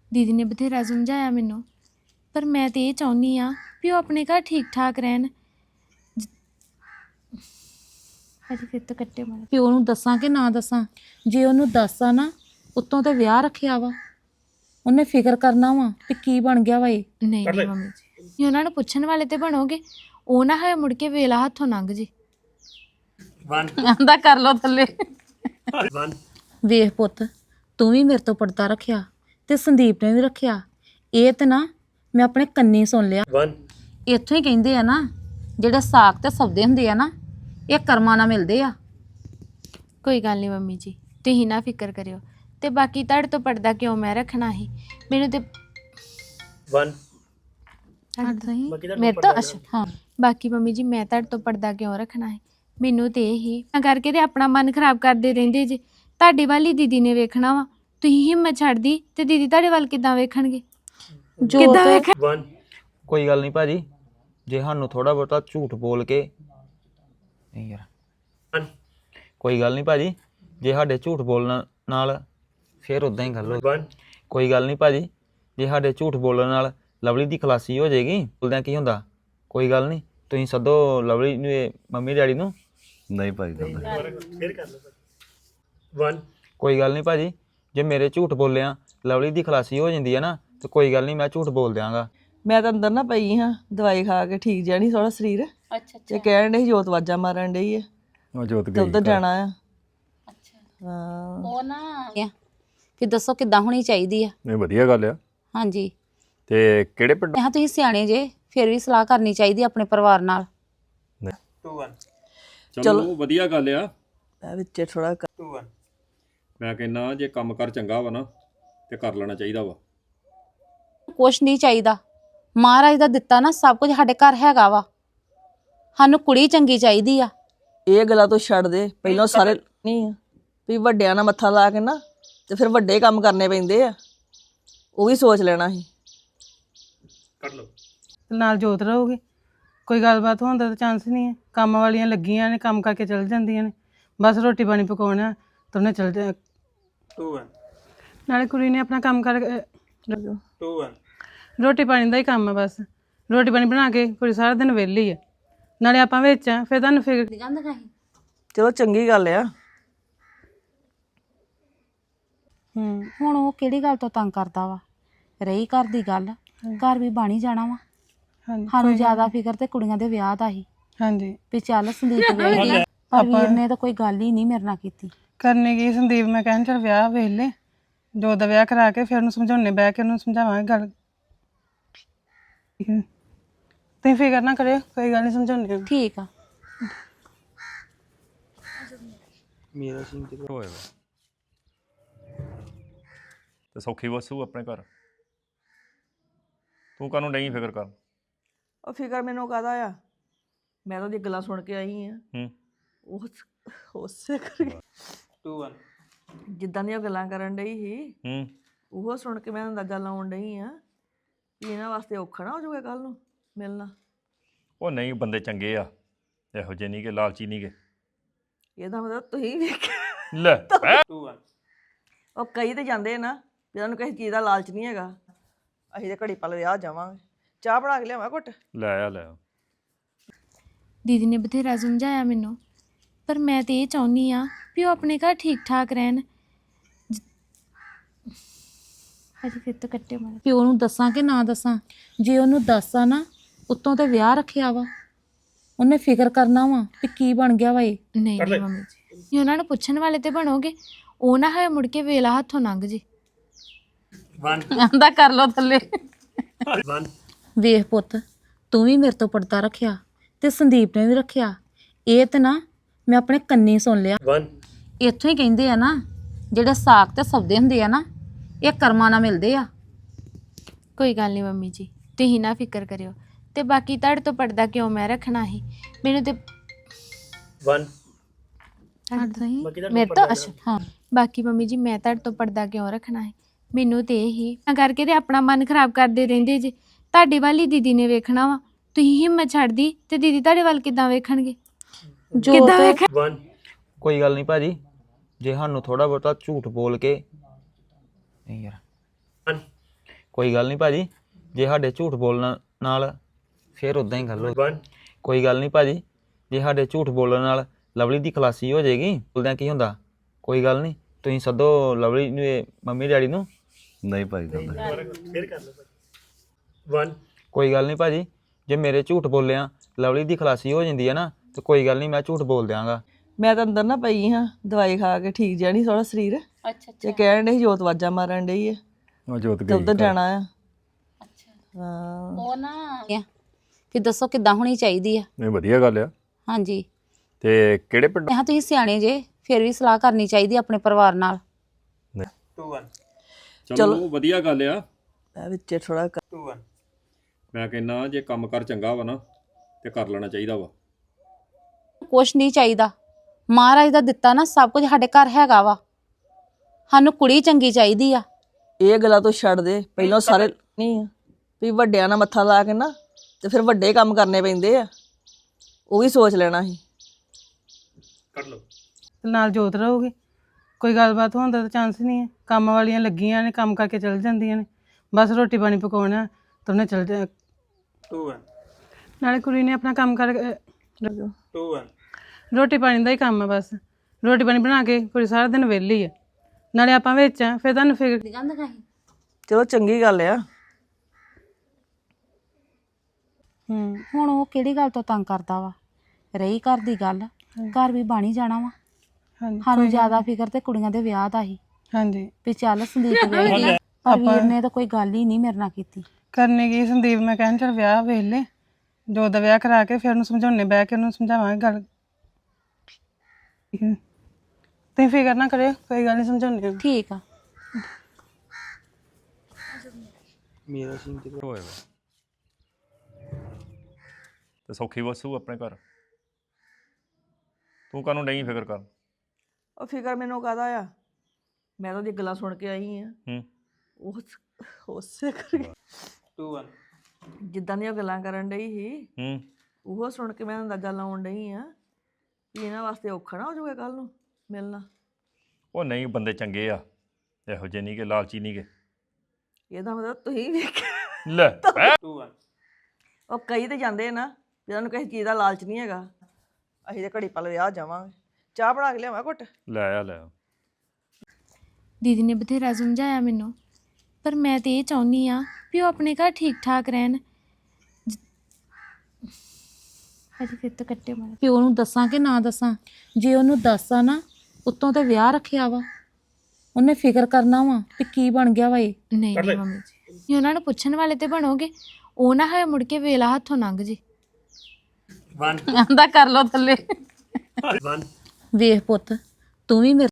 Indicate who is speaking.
Speaker 1: ਦੀਦੀ ਨੇ ਬਥੇਰਾ ਸਮਝਾਇਆ ਮੈਨੂੰ, ਪਰ ਮੈਂ ਤੇ ਇਹ ਚਾਹੁੰਦੀ ਆ ਵੀ ਉਹ ਆਪਣੇ ਘਰ ਠੀਕ ਠਾਕ ਰਹਿਣ। ਅਜੇ ਫਿਰ ਤੋਂ ਕੱਟੇ ਮਾਰ
Speaker 2: ਪਿਓ ਨੂੰ ਦੱਸਾਂ ਕਿ ਨਾ ਦੱਸਾਂ? ਜੇ ਉਹਨੂੰ ਦੱਸਾਂ ਨਾ, ਉੱਤੋਂ ਤੇ ਵਿਆਹ ਰੱਖਿਆ ਵਾ, ਉਹਨੇ ਫਿਕਰ ਕਰਨਾ ਵਾ ਕਿ ਕੀ ਬਣ ਗਿਆ ਵਾ ਇਹ।
Speaker 1: ਨਹੀਂ ਨਹੀਂ ਮੰਮੀ ਜੀ, ਉਹਨਾਂ ਨੂੰ ਪੁੱਛਣ ਵਾਲੇ ਤੇ ਬਣੋਗੇ, ਉਹ ਨਾ ਹੋਏ ਮੁੜ ਕੇ ਵੇਲਾ ਹੱਥੋਂ ਲੰਘ ਜੇ।
Speaker 2: ਆਂਦਾ ਕਰ ਲੋ ਥੱਲੇ। ਵੇਖ ਪੁੱਤ, ਤੂੰ ਵੀ ਮੇਰੇ ਤੋਂ ਪਰਦਾ ਰੱਖਿਆ ਤੇ ਸੰਦੀਪ ਨੇ ਵੀ ਰੱਖਿਆ। ਇਹ ਤੇ ਨਾ ਮੈਂ ਆਪਣੇ ਕੰਨੀ ਸੁਣ ਲਿਆ। ਇੱਥੋਂ ਹੀ ਕਹਿੰਦੇ ਆ ਨਾ, ਜਿਹੜੇ ਸਾਕ ਤੇ ਸੌਦੇ ਹੁੰਦੇ ਆ ਨਾ, ਇਹ ਕਰਮਾਂ ਨਾਲ ਮਿਲਦੇ ਆ।
Speaker 1: ਕੋਈ ਗੱਲ ਨਹੀਂ ਮੰਮੀ ਜੀ, ਤੁਸੀਂ ਨਾ ਫਿਕਰ ਕਰਿਓ। ਤੇ ਬਾਕੀ ਤੁਹਾਡੇ ਤੋਂ ਪਰਦਾ ਕਿਉਂ ਮੈਂ ਰੱਖਣਾ ਸੀ? ਮੈਨੂੰ ਤੇ
Speaker 2: ਮੇਰੇ ਤੋਂ ਅੱਛਾ ਹਾਂ।
Speaker 1: ਬਾਕੀ ਮੰਮੀ ਜੀ, ਮੈਂ ਤੁਹਾਡੇ ਤੋਂ ਪਰਦਾ ਕਿਉਂ ਰੱਖਣਾ ਹੈ? ਮੈਨੂੰ ਤੇ ਇਹੀ ਤਾਂ ਕਰਕੇ ਤੇ ਆਪਣਾ ਮਨ ਖਰਾਬ ਕਰਦੇ ਰਹਿੰਦੇ ਜੇ। ਤੁਹਾਡੇ ਵੱਲ ਹੀ ਦੀਦੀ ਨੇ ਵੇਖਣਾ ਵਾ, ਤੁਸੀਂ ਹਿੰਮਤ ਛੱਡਦੀ ਤੇ ਦੀਦੀ ਤੁਹਾਡੇ ਵੱਲ ਕਿੱਦਾਂ ਵੇਖਣਗੇ?
Speaker 3: ਕੋਈ ਗੱਲ ਨਹੀਂ ਭਾਜੀ, ਜੇ ਸਾਨੂੰ ਥੋੜਾ ਬਹੁਤਾ ਝੂਠ ਬੋਲ ਕੇ ਨਹੀਂ ਯਾਰ, ਕੋਈ ਗੱਲ ਨਹੀਂ ਭਾਜੀ, ਜੇ ਸਾਡੇ ਝੂਠ ਬੋਲਣ ਨਾਲ ਫਿਰ ਉਦਾਂ ਹੀ ਗੱਲ ਹੋ। ਕੋਈ ਗੱਲ ਨਹੀਂ ਭਾਜੀ, ਜੇ ਸਾਡੇ ਝੂਠ ਬੋਲਣ ਨਾਲ ਲਵਲੀ ਦੀ ਖਲਾਸੀ ਹੋ ਜਾਏਗੀ, ਬੋਲਦਿਆਂ ਕੀ ਹੁੰਦਾ? ਕੋਈ ਗੱਲ ਨਹੀਂ, ਤੁਸੀਂ ਸੱਦੋ ਲਵਲੀ ਨੂੰ, ਮੰਮੀ ਡੈਡੀ ਨੂੰ।
Speaker 4: ਨਹੀਂ ਭਾਈ
Speaker 3: ਕੋਈ ਗੱਲ ਨਹੀਂ ਭਾਜੀ, ਜੇ ਮੇਰੇ ਝੂਠ ਬੋਲਿਆ ਲਵਲੀ ਦੀ ਖਲਾਸੀ ਹੋ ਜਾਂਦੀ ਹੈ ਨਾ, ਤੇ ਕੋਈ ਗੱਲ ਨਹੀਂ, ਮੈਂ ਝੂਠ ਬੋਲ ਦਿਆਂਗਾ।
Speaker 5: ਮੈਂ ਤਾਂ ਅੰਦਰ ਨਾ ਪਈ ਹਾਂ, ਦਵਾਈ ਖਾ ਕੇ ਠੀਕ ਜਿਹਾ ਨਹੀਂ ਥੋੜਾ ਸਰੀਰ।
Speaker 2: ਅੱਛਾ
Speaker 5: ਤੇ ਕਹਿਣ ਡਈ ਜੋਤ ਵਾਜਾ ਮਾਰਨ ਡਈ ਹੈ
Speaker 4: ਉਹ ਜੋਤ
Speaker 5: ਤੇ ਉੱਧਰ ਜਾਣਾ ਆ।
Speaker 2: ਅੱਛਾ,
Speaker 5: ਹਾਂ
Speaker 2: ਉਹ ਨਾ ਕਿ ਦੱਸੋ ਕਿੱਦਾਂ ਹੋਣੀ ਚਾਹੀਦੀ ਆ?
Speaker 4: ਨਹੀਂ ਵਧੀਆ ਗੱਲ ਆ।
Speaker 2: ਹਾਂਜੀ,
Speaker 4: ਤੇ ਕਿਹੜੇ ਪਿੰਡ?
Speaker 2: ਮੈਂ ਕਿਹਾ ਤੁਸੀਂ ਸਿਆਣੇ ਜੇ, ਫਿਰ ਵੀ ਸਲਾਹ ਕਰਨੀ ਚਾਹੀਦੀ ਆਪਣੇ ਪਰਿਵਾਰ ਨਾਲ।
Speaker 6: ਚਲੋ ਵਧੀਆ ਗੱਲ ਆ।
Speaker 5: ਮੈਂ ਵਿੱਚ ਥੋੜਾ
Speaker 6: ਮੈਂ ਕਹਿੰਦਾ ਜੇ ਕੰਮ ਕਰ ਚੰਗਾ ਵਾ ਨਾ ਤੇ ਕਰ ਲੈਣਾ ਚਾਹੀਦਾ ਵਾ।
Speaker 2: ਕੁਛ ਨਹੀਂ ਚਾਹੀਦਾ, ਮਹਾਰਾਜ ਦਾ ਦਿੱਤਾ ਨਾ ਸਭ ਕੁਝ ਸਾਡੇ ਘਰ ਹੈਗਾ ਵਾ। ਸਾਨੂੰ ਕੁੜੀ ਚੰਗੀ ਚਾਹੀਦੀ ਆ।
Speaker 5: ਇਹ ਗੱਲਾਂ ਤੋਂ ਛੱਡ ਦੇ, ਪਹਿਲਾਂ ਸਾਰੇ ਨਹੀਂ ਆ ਵੀ ਵੱਡਿਆਂ ਨਾਲ ਮੱਥਾ ਲਾ ਕੇ ਨਾ ਤੇ ਫਿਰ ਵੱਡੇ ਕੰਮ ਕਰਨੇ ਪੈਂਦੇ ਆ, ਉਹ ਵੀ ਸੋਚ ਲੈਣਾ ਸੀ।
Speaker 7: ਨਾਲ ਜੋਤ ਰਹੋਗੇ, ਕੋਈ ਗੱਲਬਾਤ ਹੋਣ ਦਾ ਤਾਂ ਚਾਂਸ ਹੀ ਨਹੀਂ ਹੈ। ਕੰਮ ਵਾਲੀਆਂ ਲੱਗੀਆਂ ਨੇ, ਕੰਮ ਕਰਕੇ ਚਲ ਜਾਂਦੀਆਂ ਨੇ, ਬਸ ਰੋਟੀ ਪਾਣੀ ਪਕਾਉਣਾ ਤਾਂ ਉਹਨੇ ਚਲ ਜਾ। ਨਾਲੇ ਕੁੜੀ ਨੇ ਆਪਣਾ ਕੰਮ ਕਰ, ਰੋਟੀ ਪਾਣੀ ਦਾ ਹੀ ਕੰਮ ਹੈ, ਬਸ ਰੋਟੀ ਪਾਣੀ ਬਣਾ ਕੇ ਕੁੜੀ ਸਾਰਾ ਦਿਨ ਵਿਹਲੀ ਹੈ। ਨਾਲੇ ਆਪਾਂ ਵਿੱਚ ਆ, ਫਿਰ ਤੁਹਾਨੂੰ ਫਿਕਰ।
Speaker 5: ਚਲੋ ਚੰਗੀ ਗੱਲ ਆ।
Speaker 2: ਹੁਣ ਉਹ ਕਿਹੜੀ ਗੱਲ ਤੋਂ ਤੰਗ ਕਰਦਾ ਵਾ? ਰਹੀ ਘਰ ਦੀ ਗੱਲ, ਘਰ ਵੀ ਬਣ ਹੀ ਜਾਣਾ ਵਾ।
Speaker 7: ਹਾਂਜੀ
Speaker 2: ਸਾਨੂੰ ਜ਼ਿਆਦਾ ਫਿਕਰ ਤੇ ਕੁੜੀਆਂ ਦੇ ਵਿਆਹ ਦਾ ਹੀ
Speaker 7: ਹਾਂਜੀ,
Speaker 2: ਵੀ ਚੱਲ ਸੰਦੀਪ ਵਿਆਹੀ, ਪਰ ਵੀਰ ਨੇ ਤਾਂ ਕੋਈ ਗੱਲ ਹੀ ਨਹੀਂ ਮੇਰੇ ਨਾਲ ਕੀਤੀ।
Speaker 7: ਕਰਨੀ ਕੀ ਸੰਦੀਪ, ਮੈਂ ਕਹਿਣ ਚਲ ਵਿਆਹ ਵੇਖ ਲੈ, ਜੋ ਦਾ ਵਿਆਹ ਕਰਾ ਕੇ ਫਿਰ ਉਹਨੂੰ ਸਮਝਾਉਣੇ, ਬਹਿ ਕੇ ਉਹਨੂੰ ਸਮਝਾਵਾਂਗੇ ਗੱਲ। ਤੁਸੀਂ ਫਿਕਰ ਨਾ ਕਰਿਓ, ਕੋਈ ਗੱਲ ਨਹੀਂ, ਸਮਝਾਉਂਦੇ।
Speaker 2: ਠੀਕ ਆ।
Speaker 3: ਮੇਰਾ ਸੀਨ ਤੇ
Speaker 4: ਹੋਏਗਾ ਤੇ ਸੌਖੀ ਵਸੂ ਆਪਣੇ ਘਰ। ਤੂੰ ਕਾਹਨੂੰ ਨਹੀਂ ਫਿਕਰ ਕਰ?
Speaker 5: ਉਹ ਫਿਕਰ ਮੈਨੂੰ ਕਾਹਦਾ ਆ, ਮੈਂ ਤਾਂ ਉਹਦੀ ਗੱਲਾਂ ਸੁਣ ਕੇ ਆਈ ਆ। ਉਸੇ ਕਰਕੇ ਜਿੱਦਾਂ ਦੀਆਂ ਗੱਲਾਂ ਕਰਨ ਡਈ ਸੀ, ਉਹ ਸੁਣ ਕੇ ਮੈਂ ਅੰਦਾਜ਼ਾ ਲਾਉਣ ਡਈ ਆ ਕਿ ਇਹਨਾਂ ਵਾਸਤੇ ਔਖਾ ਨਾ ਹੋ ਜਾਊਗਾ ਕੱਲ ਨੂੰ ਮਿਲਣਾ।
Speaker 4: ਉਹ ਨਹੀਂ, ਬੰਦੇ ਚੰਗੇ ਆ, ਇਹੋ ਜਿਹੇ ਨਹੀਂ ਕਿ ਲਾਲਚੀ ਨਹੀਂ ਗੇ।
Speaker 5: ਇਹਦਾ ਮਤਲਬ ਤੁਸੀਂ ਵੇਖਿਆ
Speaker 4: ਲੈ
Speaker 5: ਉਹ ਕਈ ਤੇ ਜਾਂਦੇ ਨਾ ਜਿਹਨਾਂ ਨੂੰ ਕਿਸੇ ਚੀਜ਼ ਦਾ ਲਾਲਚ ਨਹੀਂ ਹੈਗਾ। ਅਸੀਂ ਤੇ ਘੜੀ ਪਲ ਵਿਆਹ ਜਾਵਾਂਗੇ, ਚਾਹ ਬਣਾ ਕੇ ਲਿਆਵਾਂ ਘੁੱਟ।
Speaker 4: ਲੈ ਆ ਲੈ ਆ।
Speaker 1: ਦੀਦੀ ਨੇ ਬਥੇਰਾ ਸਮਝਾਇਆ ਮੈਨੂੰ, ਪਰ ਮੈਂ ਤੇ ਇਹ ਚਾਹੁੰਦੀ ਆ ਵੀ ਉਹ ਆਪਣੇ ਘਰ ਠੀਕ ਠਾਕ ਰਹਿਣ। ਅਜੇ ਫਿਰ ਤੋਂ ਕੱਟੇ ਮਾਰ
Speaker 2: ਪਿਓ ਨੂੰ ਦੱਸਾਂ ਕਿ ਨਾ ਦੱਸਾਂ? ਜੇ ਉਹਨੂੰ ਦੱਸਾਂ ਨਾ, ਉੱਤੋਂ ਤੇ ਵਿਆਹ ਰੱਖਿਆ ਵਾ, ਉਹਨੇ ਫਿਕਰ ਕਰਨਾ ਵਾ ਕਿ ਕੀ ਬਣ ਗਿਆ ਵਾ ਇਹ।
Speaker 1: ਨਹੀਂ ਨਹੀਂ ਮੰਮੀ ਜੀ, ਉਹਨਾਂ ਨੂੰ ਪੁੱਛਣ ਵਾਲੇ ਤੇ ਬਣੋਗੇ, ਉਹ ਨਾ ਹੋਏ ਮੁੜ ਕੇ ਵੇਲਾ ਹੱਥੋਂ ਲੰਘ ਜੇ।
Speaker 2: ਆਂਦਾ ਕਰ ਲੋ ਥੱਲੇ। ਵੇਖ ਪੁੱਤ, ਤੂੰ ਵੀ ਮੇਰੇ ਤੋਂ ਪਰਦਾ ਰੱਖਿਆ ਤੇ ਸੰਦੀਪ ਨੇ ਵੀ ਰੱਖਿਆ। ਇਹ ਤੇ ਨਾ ਮੈਂ ਆਪਣੇ ਕੰਨੀ ਸੁਣ ਲਿਆ। ਇੱਥੋਂ ਹੀ ਕਹਿੰਦੇ ਆ ਨਾ, ਜਿਹੜੇ ਸਾਕ ਤੇ ਸੌਦੇ ਹੁੰਦੇ ਆ ਨਾ, ਇਹ ਕਰਮਾਂ ਨਾਲ ਮਿਲਦੇ ਆ।
Speaker 1: ਕੋਈ ਗੱਲ ਨਹੀਂ ਮੰਮੀ ਜੀ, ਤੁਸੀਂ ਨਾ ਫਿਕਰ ਕਰਿਓ। ਤੇ ਬਾਕੀ ਤੁਹਾਡੇ ਤੋਂ ਪਰਦਾ ਕਿਉਂ ਮੈਂ ਰੱਖਣਾ ਸੀ? ਮੈਨੂੰ ਤੇ
Speaker 2: ਮੇਰੇ ਤੋਂ ਅੱਛਾ ਹਾਂ।
Speaker 1: ਬਾਕੀ ਮੰਮੀ ਜੀ, ਮੈਂ ਤੁਹਾਡੇ ਤੋਂ ਪਰਦਾ ਕਿਉਂ ਰੱਖਣਾ ਹੈ? ਮੈਨੂੰ ਤੇ ਇਹੀ ਤਾਂ ਕਰਕੇ ਤੇ ਆਪਣਾ ਮਨ ਖਰਾਬ ਕਰਦੇ ਰਹਿੰਦੇ ਜੇ। ਤੁਹਾਡੇ ਵੱਲ ਹੀ ਦੀਦੀ ਨੇ ਵੇਖਣਾ ਵਾ, ਤੁਸੀਂ ਹਿੰਮਤ ਛੱਡਦੀ ਤੇ ਦੀਦੀ ਤੁਹਾਡੇ ਵੱਲ ਕਿੱਦਾਂ ਵੇਖਣਗੇ?
Speaker 3: ਕੋਈ ਗੱਲ ਨਹੀਂ ਭਾਜੀ, ਜੇ ਸਾਨੂੰ ਥੋੜਾ ਬਹੁਤਾ ਝੂਠ ਬੋਲ ਕੇ ਨਹੀਂ ਯਾਰ, ਕੋਈ ਗੱਲ ਨਹੀਂ ਭਾਜੀ ਜੇ ਸਾਡੇ ਝੂਠ ਬੋਲਣ ਨਾਲ ਫਿਰ ਉਦਾਂ ਹੀ ਗੱਲ ਹੋ ਕੋਈ ਗੱਲ ਨਹੀਂ ਭਾਜੀ ਜੇ ਸਾਡੇ ਝੂਠ ਬੋਲਣ ਨਾਲ ਲਵਲੀ ਦੀ ਖਲਾਸੀ ਹੋ ਜਾਏਗੀ ਬੋਲਦਿਆਂ ਕੀ ਹੁੰਦਾ ਕੋਈ ਗੱਲ ਨਹੀਂ ਤੁਸੀਂ ਸੱਦੋ ਲਵਲੀ ਨੂੰ ਮੰਮੀ ਡੈਡੀ ਨੂੰ
Speaker 8: ਨਹੀਂ ਭਾਈ ਗੱਲ
Speaker 3: ਕੋਈ ਗੱਲ ਨਹੀਂ ਭਾਜੀ ਜੇ ਮੇਰੇ ਝੂਠ ਬੋਲਿਆ ਲਵਲੀ ਦੀ ਖਲਾਸੀ ਹੋ ਜਾਂਦੀ ਹੈ ਨਾ ਤੇ ਕੋਈ ਗੱਲ ਨਹੀਂ ਮੈਂ ਝੂਠ ਬੋਲ ਦਿਆਂਗਾ
Speaker 5: ਮੈਂ ਤਾਂ ਅੰਦਰ ਨਾ ਪਈ ਹਾਂ ਦਵਾਈ ਖਾ ਕੇ ਠੀਕ ਜਿਹਾ ਨਹੀਂ ਥੋੜਾ ਸਰੀਰ
Speaker 2: ਅੱਛਾ
Speaker 5: ਤੇ ਕਹਿਣ ਡਈ ਜੋਤ ਵਾਜਾ ਮਾਰਨ ਡਈ ਹੈ
Speaker 6: ਉਹ ਜੋਤ
Speaker 5: ਤੇ ਉੱਧਰ
Speaker 6: ਗਈ
Speaker 5: ਜਾਣਾ ਆ ਹਾਂ
Speaker 2: ਉਹ ਨਾ ਕਿ ਦੱਸੋ ਕਿੱਦਾਂ ਹੋਣੀ ਚਾਹੀਦੀ ਆ
Speaker 6: ਨਹੀਂ ਵਧੀਆ ਗੱਲ ਆ
Speaker 2: ਹਾਂਜੀ
Speaker 6: ਤੇ ਕਿਹੜੇ ਪਿੰਡ
Speaker 2: ਮੈਂ ਕਿਹਾ ਤੁਸੀਂ ਸਿਆਣੇ ਜੇ ਫਿਰ ਵੀ ਸਲਾਹ ਕਰਨੀ ਚਾਹੀਦੀ ਆਪਣੇ ਪਰਿਵਾਰ ਨਾਲ
Speaker 6: ਚਲੋ ਵਧੀਆ ਗੱਲ ਆ
Speaker 5: ਮੈਂ ਵਿੱਚ ਥੋੜਾ
Speaker 6: ਮੈਂ ਕਹਿੰਦਾ ਜੇ ਕੰਮ ਕਰ ਚੰਗਾ ਵਾ ਨਾ ਤੇ ਕਰ ਲੈਣਾ ਚਾਹੀਦਾ ਵਾ
Speaker 2: ਕੁਛ ਨਹੀਂ ਚਾਹੀਦਾ ਮਹਾਰਾਜ ਦਾ ਦਿੱਤਾ ਨਾ ਸਭ ਕੁਝ ਸਾਡੇ ਘਰ ਹੈਗਾ ਵਾ ਸਾਨੂੰ ਕੁੜੀ ਚੰਗੀ ਚਾਹੀਦੀ ਆ
Speaker 5: ਇਹ ਗੱਲਾਂ ਤੋਂ ਛੱਡ ਦੇ ਪਹਿਲਾਂ ਸਾਰੇ ਨਹੀਂ ਆ ਵੀ ਵੱਡਿਆਂ ਨਾਲ ਮੱਥਾ ਲਾ ਕੇ ਨਾ ਤੇ ਫਿਰ ਵੱਡੇ ਕੰਮ ਕਰਨੇ ਪੈਂਦੇ ਆ ਉਹ ਵੀ ਸੋਚ ਲੈਣਾ ਸੀ
Speaker 7: ਤੇ ਨਾਲ ਜੋਤ ਰਹੋਗੇ ਕੋਈ ਗੱਲਬਾਤ ਹੋਣ ਦਾ ਤਾਂ ਚਾਂਸ ਹੀ ਨਹੀਂ ਹੈ ਕੰਮ ਵਾਲੀਆਂ ਲੱਗੀਆਂ ਨੇ ਕੰਮ ਕਰਕੇ ਚਲ ਜਾਂਦੀਆਂ ਨੇ ਬਸ ਰੋਟੀ ਪਾਣੀ ਪਕਾਉਣਾ ਤਾਂ ਉਹਨੇ ਚਲ ਜਾ ਨਾਲੇ ਕੁੜੀ ਨੇ ਆਪਣਾ ਕੰਮ ਕਰ ਰੋਟੀ ਪਾਣੀ ਦਾ ਹੀ ਕੰਮ ਹੈ ਬਸ ਰੋਟੀ ਪਾਣੀ ਬਣਾ ਕੇ ਕੁੜੀ ਸਾਰਾ ਦਿਨ ਵਿਹਲੀ ਹੈ ਨਾਲੇ ਆਪਾਂ ਵਿੱਚ ਆ ਫਿਰ ਤੁਹਾਨੂੰ ਫਿਕਰ
Speaker 5: ਚਲੋ ਚੰਗੀ ਗੱਲ ਆ
Speaker 2: ਹੁਣ ਉਹ ਕਿਹੜੀ ਗੱਲ ਤੋਂ ਤੰਗ ਕਰਦਾ ਵਾ ਰਹੀ ਘਰ ਦੀ ਗੱਲ ਘਰ ਵੀ ਬਣ ਹੀ ਜਾਣਾ ਵਾ
Speaker 7: ਹਾਂਜੀ
Speaker 2: ਸਾਨੂੰ ਜ਼ਿਆਦਾ ਫਿਕਰ ਤੇ ਕੁੜੀਆਂ ਦੇ ਵਿਆਹ ਦਾ ਹੀ
Speaker 7: ਹਾਂਜੀ
Speaker 2: ਵੀ ਚੱਲ ਸੰਦੀਪ ਗਈ ਪਰ ਵੀਰ ਨੇ ਤਾਂ ਕੋਈ ਗੱਲ ਹੀ ਨਹੀਂ ਮੇਰੇ ਨਾਲ ਕੀਤੀ
Speaker 7: ਕਰਨੇ ਕੀ ਸੰਦੀਪ ਮੈਂ ਕਹਿਣ ਚਲ ਵਿਆਹ ਵੇਖ ਲੈ ਜੋ ਦਾ ਵਿਆਹ ਕਰਾ ਕੇ ਫਿਰ ਉਹਨੂੰ ਸਮਝਾਉਣੇ ਬਹਿ ਕੇ ਉਹਨੂੰ ਸਮਝਾਵਾਂਗੇ ਗੱਲ ਤੁਸੀਂ ਫਿਕਰ ਨਾ ਕਰਿਓ ਕੋਈ ਗੱਲ ਨਹੀਂ ਸਮਝਾਉਂਦੇ
Speaker 2: ਠੀਕ ਆ
Speaker 4: ਹੋਏ ਵਾ ਤੇ ਸੌਖੀ ਵਸੂ ਆਪਣੇ ਘਰ ਤੂੰ ਕਾਹਨੂੰ ਨਹੀਂ ਫਿਕਰ ਕਰ
Speaker 5: ਉਹ ਫਿਕਰ ਮੈਨੂੰ ਕਾਹਦਾ ਆ ਮੈਂ ਤਾਂ ਉਹਦੀ ਗੱਲਾਂ ਸੁਣ ਕੇ ਆਈ ਆ ਉਸੇ ਕਰਕੇ ਜਿੱਦਾਂ ਦੀਆਂ ਗੱਲਾਂ ਕਰਨ ਡਈ ਸੀ ਉਹ ਸੁਣ ਕੇ ਮੈਂ ਅੰਦਾਜ਼ਾ ਲਾਉਣ ਡਈ ਆ ਕਿ ਇਹਨਾਂ ਵਾਸਤੇ ਔਖਾ ਨਾ ਹੋ ਜਾਊਗਾ ਕੱਲ ਨੂੰ ਮਿਲਣਾ
Speaker 4: ਉਹ ਨਹੀਂ ਬੰਦੇ ਚੰਗੇ ਆ ਇਹੋ ਜਿਹੇ ਨਹੀਂ ਕਿ ਲਾਲਚੀ ਨਹੀਂ ਕਿ
Speaker 5: ਇਹਦਾ ਮਤਲਬ ਤੁਸੀਂ ਵੇਖਿਆ
Speaker 4: ਲੈ
Speaker 5: ਉਹ ਕਈ ਤੇ ਜਾਂਦੇ ਨਾ ਵੀ ਉਹਨਾਂ ਨੂੰ ਕਿਸੇ ਚੀਜ਼ ਦਾ ਲਾਲਚ ਨਹੀਂ ਹੈਗਾ ਅਸੀਂ ਤੇ ਘੜੀ ਪਲ ਵਿਆਹ ਜਾਵਾਂਗੇ ਚਾਹ ਬਣਾ ਕੇ ਲਿਆਵਾਂ ਘੁੱਟ
Speaker 4: ਲੈ ਆ ਲੈ ਆ।
Speaker 1: ਦੀਦੀ ਨੇ ਬਥੇਰਾ ਸਮਝਾਇਆ ਮੈਨੂੰ ਪਰ ਮੈਂ ਤੇ ਇਹ ਚਾਹੁੰਦੀ ਆ ਵੀ ਉਹ ਆਪਣੇ ਘਰ ਠੀਕ ਠਾਕ ਰਹਿਣ ਅਜੇ ਫਿਰ ਤਾਂ ਕੱਟੇ ਮਾਰ
Speaker 2: ਪਿਓ ਨੂੰ ਦੱਸਾਂ ਕਿ ਨਾ ਦੱਸਾਂ ਜੇ ਉਹਨੂੰ ਦੱਸਾਂ ਨਾ ਉੱਤੋਂ ਤੇ ਵਿਆਹ ਰੱਖਿਆ ਵਾ ਉਹਨੇ ਫਿਕਰ ਕਰਨਾ ਵਾ ਵੀ ਕੀ ਬਣ ਗਿਆ ਵਾ ਇਹ
Speaker 1: ਨਹੀਂ ਨਹੀਂ ਮੰਮੀ ਜੀ ਉਹਨਾਂ ਨੂੰ ਪੁੱਛਣ ਵਾਲੇ ਤੇ ਬਣੋਗੇ ਉਹ ਨਾ ਹੋਏ ਮੁੜ ਕੇ ਵੇਲਾ ਹੱਥੋਂ ਲੰਘ ਜੇ
Speaker 2: ਆਂਦਾ ਕਰ ਲੋ ਥੱਲੇ ਵੇਖ ਪੁੱਤ ਤੂੰ ਵੀ ਮੇਰੇ